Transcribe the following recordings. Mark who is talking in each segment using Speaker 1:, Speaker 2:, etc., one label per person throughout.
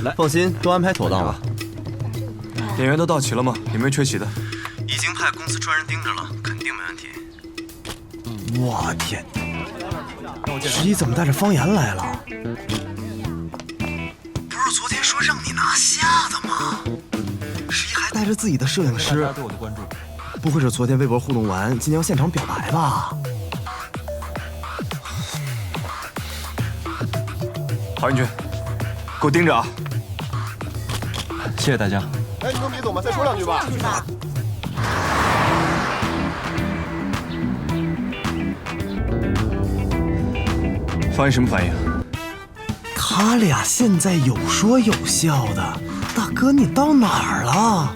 Speaker 1: 来，放心，都安排妥当了。
Speaker 2: 演员都到齐了吗？有没有缺席的？
Speaker 1: 已经派公司专人盯着了，肯定没问题。我天，十一怎么带着方言来了？不是昨天说让你拿下的吗？十一还带着自己的摄影师。大家对我的关注，不会是昨天微博互动完，今天要现场表白吧？
Speaker 2: 郝云军，给我盯着啊！
Speaker 3: 谢谢大家。
Speaker 4: 哎，你跟别走嘛，再说两句吧。
Speaker 2: 方言什么反应？
Speaker 1: 他俩现在有说有笑的，大哥你到哪儿了？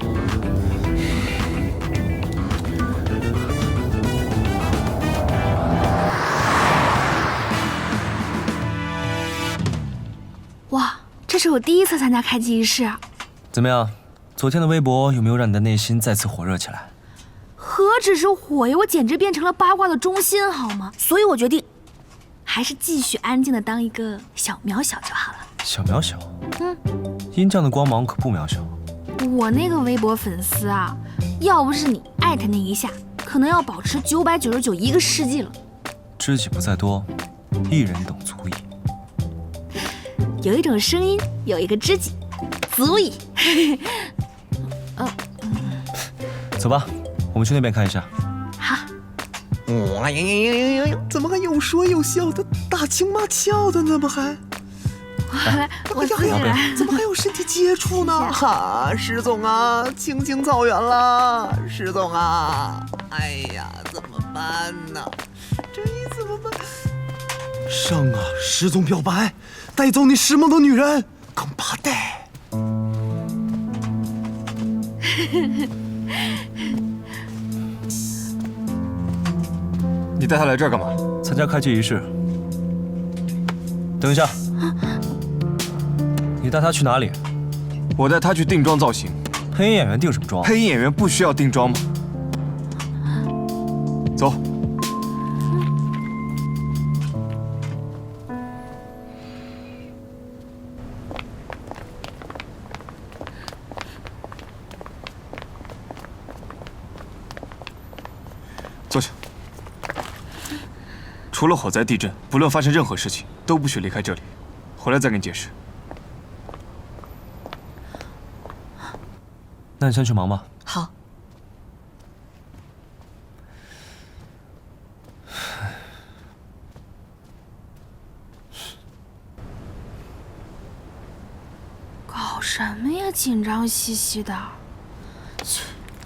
Speaker 5: 哇，这是我第一次参加开机仪式。
Speaker 3: 怎么样？昨天的微博有没有让你的内心再次火热起来？
Speaker 5: 何止是火呀，我简直变成了八卦的中心，好吗？所以我决定，还是继续安静的当一个小渺小就好了。
Speaker 3: 小渺小？殷酱的光芒可不渺小。
Speaker 5: 我那个微博粉丝啊，要不是你艾特那一下，可能要保持999一个世纪了。
Speaker 3: 知己不在多，一人等足矣。
Speaker 5: 有一种声音，有一个知己，足矣。
Speaker 3: 走吧，我们去那边看一下。
Speaker 5: 好。
Speaker 1: 哇呀！怎么还有说有笑的，打情骂俏的呢？不还？
Speaker 5: 我自己来。
Speaker 1: 怎么还有身体接触呢？哈，石总啊，青青草原了，石总啊！哎呀，怎么办呢？这一怎么办？上啊，石总表白，带走你石梦的女人，更怕带。
Speaker 2: 你带他来这儿干嘛？
Speaker 3: 参加开机仪式。等一下，你带他去哪里？
Speaker 2: 我带他去定妆造型。
Speaker 3: 配音演员定什么妆？
Speaker 2: 配音演员不需要定妆吗？走。坐下。除了火灾、地震，不论发生任何事情，都不许离开这里。回来再跟你解释。
Speaker 3: 那你先去忙吧。
Speaker 5: 好。搞什么呀？紧张兮兮的。去。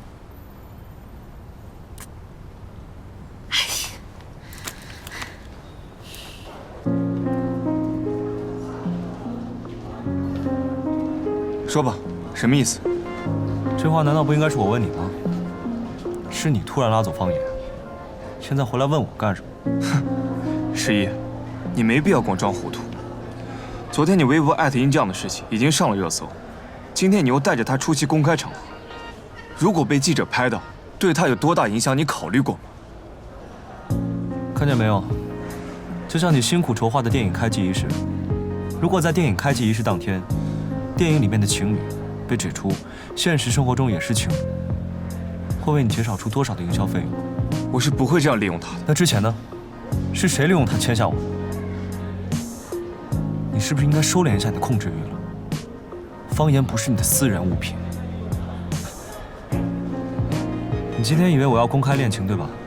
Speaker 2: 说吧，什么意思？
Speaker 3: 这话难道不应该是我问你吗？是你突然拉走方言，现在回来问我干什么？
Speaker 2: 哼，十一，你没必要光装糊涂。昨天你微博艾特殷酱的事情已经上了热搜，今天你又带着他出席公开场合，如果被记者拍到，对他有多大影响，你考虑过吗？
Speaker 3: 看见没有？就像你辛苦筹划的电影开机仪式，如果在电影开机仪式当天，电影里面的情侣被指出现实生活中也是情侣，会为你减少出多少的营销费用？
Speaker 2: 我是不会这样利用他的。
Speaker 3: 那之前呢？是谁利用他签下我的？你是不是应该收敛一下你的控制欲了？方言不是你的私人物品。你今天以为我要公开恋情对吧？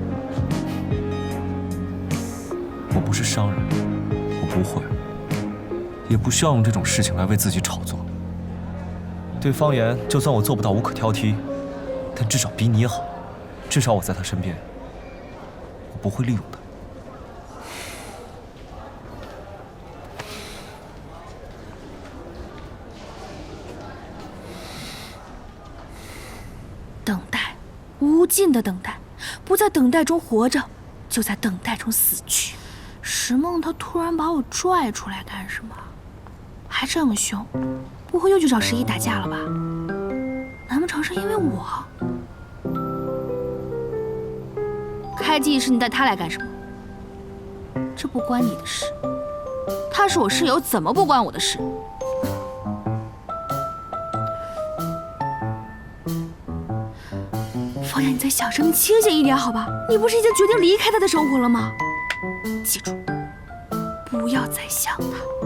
Speaker 3: 我不是商人，我不会。也不需要用这种事情来为自己炒作。对方言，就算我做不到无可挑剔，但至少比你好，至少我在他身边，我不会利用他。
Speaker 5: 等待，无尽的等待，不在等待中活着，就在等待中死去。石梦他突然把我拽出来干什么？还这么凶，不会又去找十一打架了吧？难不成是因为我？开机仪式你带他来干什么？这不关你的事。他是我室友，怎么不关我的事？ 方言，你再小声，你清醒一点好吧？你不是已经决定离开他的生活了吗？记住，不要再想他。